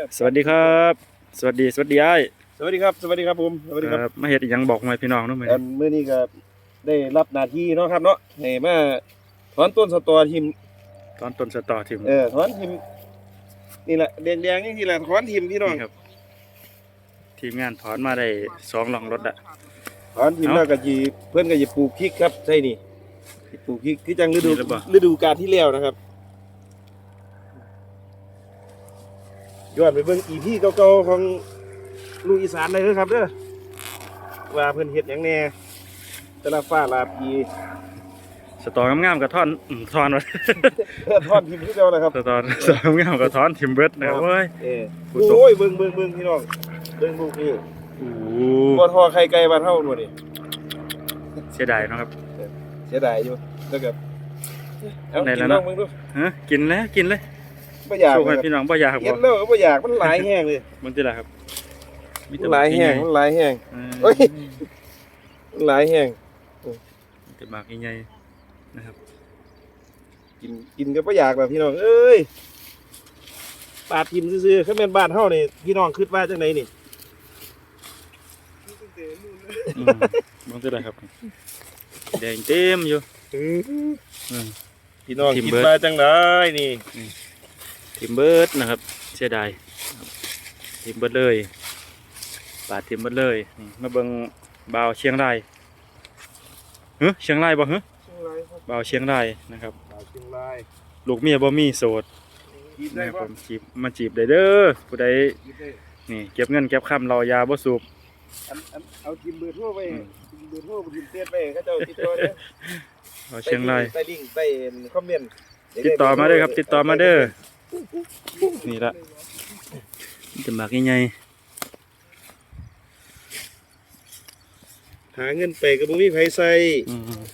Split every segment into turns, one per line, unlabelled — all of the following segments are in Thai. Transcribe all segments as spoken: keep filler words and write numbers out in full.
สวัสดีครับสวัสดีสวัสดีไอ้
สวัสดีครับสวัสดีครับผมสวัสดีครับ
มาเฮ็ดอีหยังบอกมาพี่น้องเนาะมื้อ
อั
นี้
นมื้อนี้ก็ได้รับหน้าที่เนาะครับเนาะให้มาถอนต้นสตอทิม
ตอนต้นสตอทิม
เออถอนทิมนี่แหละแดงๆนี่แหละถอนทิมพี่น้อง
นี่ครับทีมงานถอนมาได้สองหลองรถอะ
ถอนทิม
เอ้า
แล้วก็สิเพิ่นก็สิปลูกพริกครับใช่นี่สิปลูกพริกคือจังฤดู
นี่หรือเปล่า
ฤดูกาลที่แล้วนะครับย้อนไปเบิ่ง อี พี เก่าๆของลูกอีสานได้เด้อครับเด้อว่าเพิ่นเฮ็ดหยังแหน่แต่ละฟ้าลาปี
สตองามๆกับท่อนอืมท่อนวะ
เออถอนทิมคือเก่านะครับ
สตอสตองามกับท่อนทิมเบิดนะครับเว้ย
เออ
ผู้ชม
โอ้ยเบิ่งเบิ่งเบิ่งพี่น้องเบิ่งลูกนี่
โอ้
บ่ทอไข่ไก่บ้านเฮาหมดนี่
เสียดายเนาะครับ
เสียดายอยู่แล้วก็เอา
ไหน
กิ
แล้ว
นล
นะ
องเบิ่งดู
ฮะกินแล้วกินเลย
บ่อยาก
สู้ให้
เลย
พี่น้องบ่อยาก
เห็
บ่
นแล้วก็บ่อยากมันหลายแห้งเลย
มันสิล่ะครับมี
มัน
แต่
หลายแห้ง
บั
มั
ก
นหลายแห้ง
ใหญ่
เอ้ย มันหลายแห้ง
มีแต่บากใหญ่ๆนะครับ
กินกินก็บ่อยากแบบพี่น้องเอ้ยปาดทิมซื่อๆคันแม่นบ้านเฮานี่พี่น้องคิดว่าจังไดนี่
อืมมันสิล่ะครับแดงเต็มอยู่อืม
พี่น้อง
ทิม
คิด
เบิด
ว่าจังไดนี่
ทิมเบิร์ดนะครับเสียดายครับทิมเบิร์ดเลยปาดทิมเบิร์ดเลยนี่มาเบิ่งบ่าวเชียงรายเฮ้เชียงรายบ่เฮ้
เชียงรายครับ
บ่าวเชียงรายนะครับ
สาวเชียงราย
ลูกเมียบ่มีโสด
กินได้
นะครับ
บ่
ผมจีบมาจีบได้เด้อผู้ใด
กินได้
นี่เก็บเงินเก็บคำรอยาบ่สูบ
อันอันเอาทิมเบอร์โทรไป
อืม
ทิมเบอร์โทรไปทิมเฟซไปเขาเจ้าติดต่อเด้อ
บ่าวเชียงราย
ใต้ลิงก์ใต้คอมเมนต์
ติดต่อมาเด้อครับ ติดต่อมาเด้อนี่ละจะหมักใหญ่
หาเงินไปก็บ่มีไผใส่
ๆอืม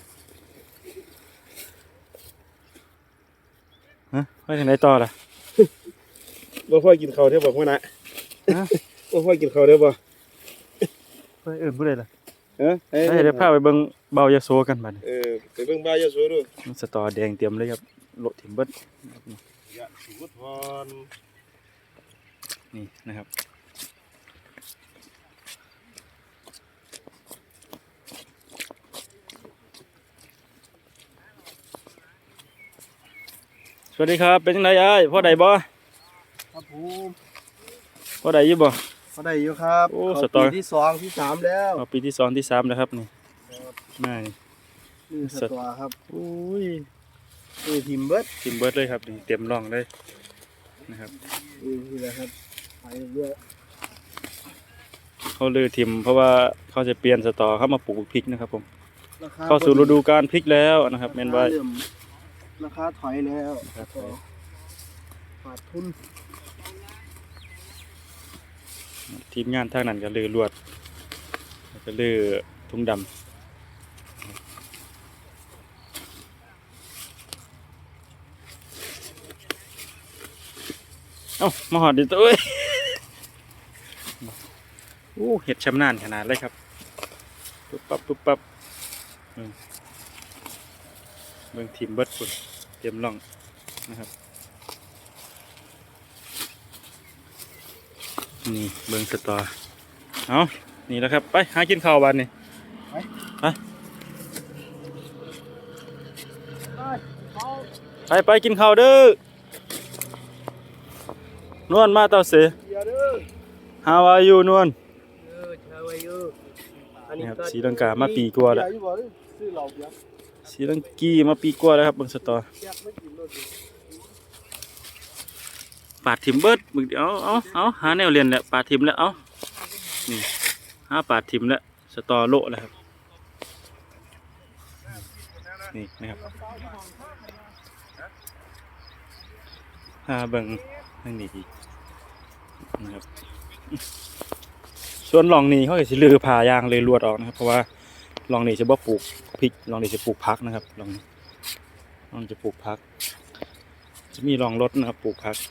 ฮะไปทางไหนต่อล่ะ
บ่ค่อยกินข้าวเด้อบ่ฮู้นะ
ฮะ
บ่ค่อยกินข้าวเด้อบ่
ไปเอิ้นผู้ใดล่ะ
ฮะ
เฮ้ยเดี๋ยวพาไปเบิ่งบ่าวยาโสกันบัดนี้
เออไปเบิ่งบ้านยะโสดู
มันสตอแดงเตรียมเลยครับโลทิมเบิด
ยะโสธร
นี่นะครับสวัสดีครับเป็นจังไดอ้ายพ่อใดบ่
ครับผม
พ่อใดอยู่บ่
เขาได้อยู่ครับ
โอ้
เข้า
สตอ
ปีที่สองที่สามแล้ว
เอาปีที่สองที่สามแล้วครับนี่มานี่
นี่สตอครับ
โอ้ย
นี่ทิมเบิด
ทิมเบิดเลยครับนี่เต็มร่องเลยนะครับ
นี่นี่แหละครับไปเรื่อย
เขาลือทิมเพราะว่าเขาจะเปลี่ยนสตอเข้ามาปลูกพริกนะครับผม
ราคา
เข้าสู่ฤดูการพริกแล้วนะครับแม่นว่า
ราคาเริ่มราคาถอยแล้ว
ครับ
ขาดทุน
ทีมงานทางนั้นก็ลือลวดแล้วก็ลือทุ่งดำเอ้ามาหอดดิตัวเอ้ยโอ้เห็ดชำนาญขนาดเลยครับปุ๊บปั๊บปุ๊บปั๊บอืมเบิ่งทีมเบิดฝุ่นเตรียมล่องนะครับนี่เบิ่งสตอเอานี่แหล้วครับไปหากินข้าวบ้านนี่ไปไปไปกินข้าวเด้อนวลมาเต่าเส
เดี๋ยวเด้อ
How are you นวล
เออชาวอายุอัน
นี่
นี้
ครับศรีลังกามาปีกว่าแล้ว
เบียร์อยู่บ่เด้อซื้อเหล้าเบียร์
ศรีลังกีมาปีกว่าแล้วครับเบิ่งสตอ
เบียร์ไม่กินรถดิ
ปาดทิมเบิดมึงเดี๋ยวเอาเอาเอาหาแนวเรียนแหละปาดทิมแล้วเอานี่หาปาดทิมแล้วสตอโละแล้วครับนี่นะครับหาเบิ่งทางนี้อีกนะครับส่วนหลองนี้เขาจะสิลือผ่ายางเลยลวดออกนะครับเพราะว่าหลองนี้จะบ่ปลูกพริกหลองนี้จะปลูกพักนะครับหลองนี้หลองจะปลูกพัก จะมีหลองรถนะครับปลูกพัก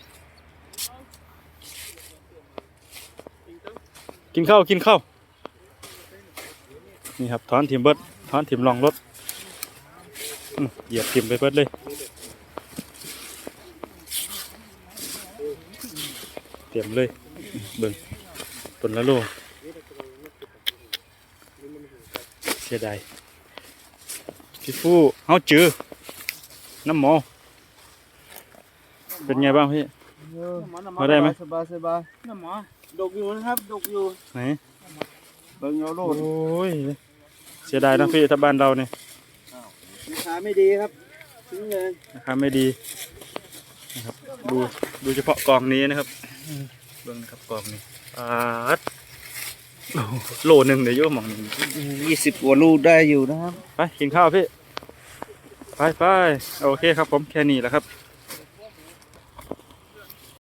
กินข้าวกินข้าวนี่ครับถอนถิ่มเบิดถอนถิ่มลองรถอื้อเหยียบถิ่มไปเบิดเลยเต็ต็มเลยเบิ่งต้นละโลเสียดายพี่ฟูเฮาจือน้ำหมอเป็นไงบ้างพี่ มาได้ไหม
สบายสบายน้ำหมอดกอยู่นะครับดกอยู่
ไหน
เบิ่งเอาโล
โอ้
ด
ยเสียดายนะพี่ถ้าบ้านเราเนี่ย
ราคาไม่ดีครับทิ้งเลย
ราคาไม่ดีนะครับดูดูเฉพาะกองนี้นะครับเบิ่งนะครับกองนี้ปาดโอ้โหโลหนึ่งเดี๋ยวโยมมองหนึ่ง
ยี่สิบกว่าลูกได้อยู่นะครับ
ไปกินข้าวพี่ ไปไปโอเคครับผมแค่นี้แหละครับ